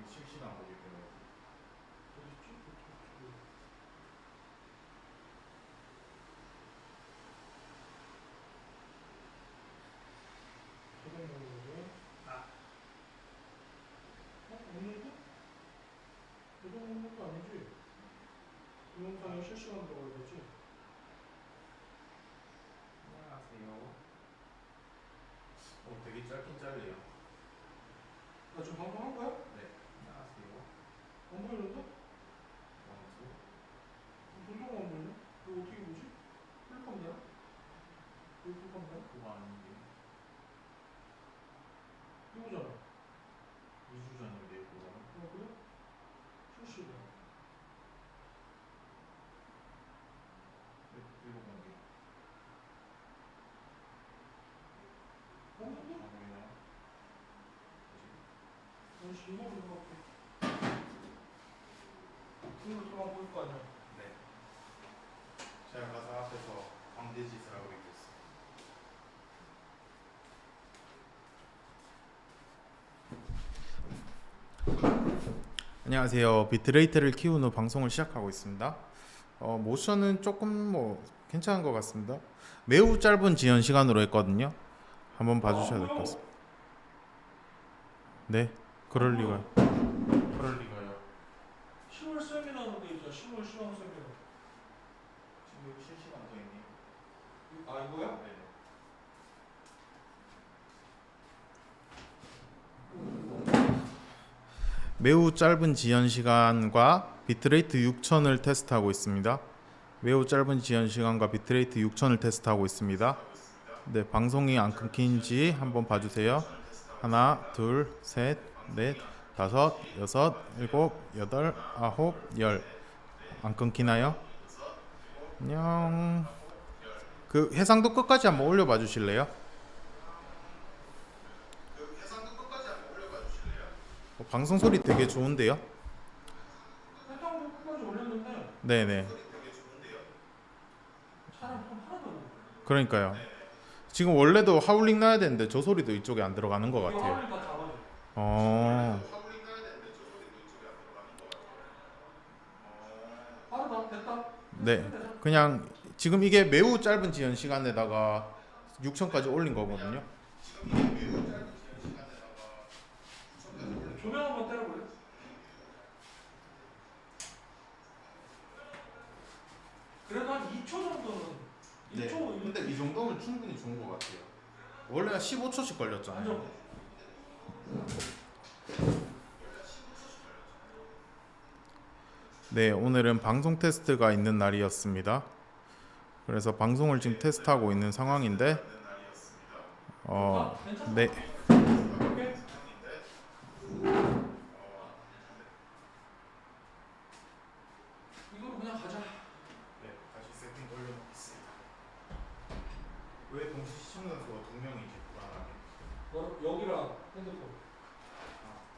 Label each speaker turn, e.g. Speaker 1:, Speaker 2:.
Speaker 1: 실시간 보기 때문에.
Speaker 2: 어딨지? 저거 뭐고? 없는데? 이거 먹는 것도 아니지? 동영상에 실시간 들어가야 되지?
Speaker 1: 안녕하세요. 되게 짧긴 짧네요.
Speaker 2: 나 지금 방송 한 거야?
Speaker 1: 네. 안녕하세요.
Speaker 2: 안 보이는데?
Speaker 1: 원투.
Speaker 2: 동영상 안 보이네? 이거 어떻게 보지? 풀컴이야? 이거 풀컴이야?
Speaker 1: 그거 아닌데.
Speaker 2: 이거잖아.
Speaker 1: 2주 전인데 그거는.
Speaker 2: 그래? 실시간.
Speaker 1: 일곱 공개.
Speaker 2: 없는데?
Speaker 1: 안 보이나요?
Speaker 2: 아저씨 이거 보는 것 같아. 이거 들어가 보일 거 아니야?
Speaker 1: 네. 제가 가서 앞에서 광대짓을 하고 있겠어요. 안녕하세요. 비트레이트를 키운 후 방송을 시작하고 있습니다. 모션은 조금 괜찮은 것 같습니다. 매우 짧은 지연 시간으로 했거든요. 한번 봐주셔야 될 것 같습니다. 네, 그럴 리가요. 그럴 리가요.
Speaker 2: 10월 세미나로 돼 있잖아. 10월 시황 세미나.
Speaker 1: 지금 여기 실시간 돼 있네요.
Speaker 2: 아 이거야?
Speaker 1: 네. 매우 짧은 지연 시간과 비트레이트 6000을 테스트하고 있습니다. 매우 짧은 지연 시간과 비트레이트 6000을 테스트하고 있습니다. 네, 방송이 안 끊긴지 한번 봐주세요. 하나, 둘, 셋, 넷, 다섯, 여섯, 일곱, 여덟, 아홉, 열. 안 끊기나요? 안녕. 그 해상도 끝까지 한번 올려봐 주실래요? 방송 소리 되게 좋은데요?
Speaker 2: 해상도 끝까지 올렸는데
Speaker 1: 네네.
Speaker 2: 사람 좀 하나도 안 나.
Speaker 1: 그러니까요. 지금 원래도 하울링 나야 되는데 저 소리도 이쪽에 안 들어가는 것
Speaker 2: 이거
Speaker 1: 같아요.
Speaker 2: 하울링 다 잡아줘.
Speaker 1: 어.
Speaker 2: 빠르다. 됐다.
Speaker 1: 네. 그냥 지금 이게 매우 짧은 지연 시간에다가 6천까지 올린 거거든요.
Speaker 2: 조명 한번 때려볼래? 그래도 한 2초 정도는 2초.
Speaker 1: 근데 이 정도면 충분히 좋은 것 같아요. 원래 15초씩 걸렸잖아요.
Speaker 2: 완전.
Speaker 1: 네, 오늘은 방송 테스트가 있는 날이었습니다. 그래서 방송을 지금 테스트하고 있는 상황인데,
Speaker 2: 괜찮아?
Speaker 1: 네,
Speaker 2: 오케이. 이거로 그냥 가자.
Speaker 1: 네, 다시 세팅 올려놓겠습니다. 왜 동시 시청자 수가 2명이지 불안하게?
Speaker 2: 여기랑 핸드폰.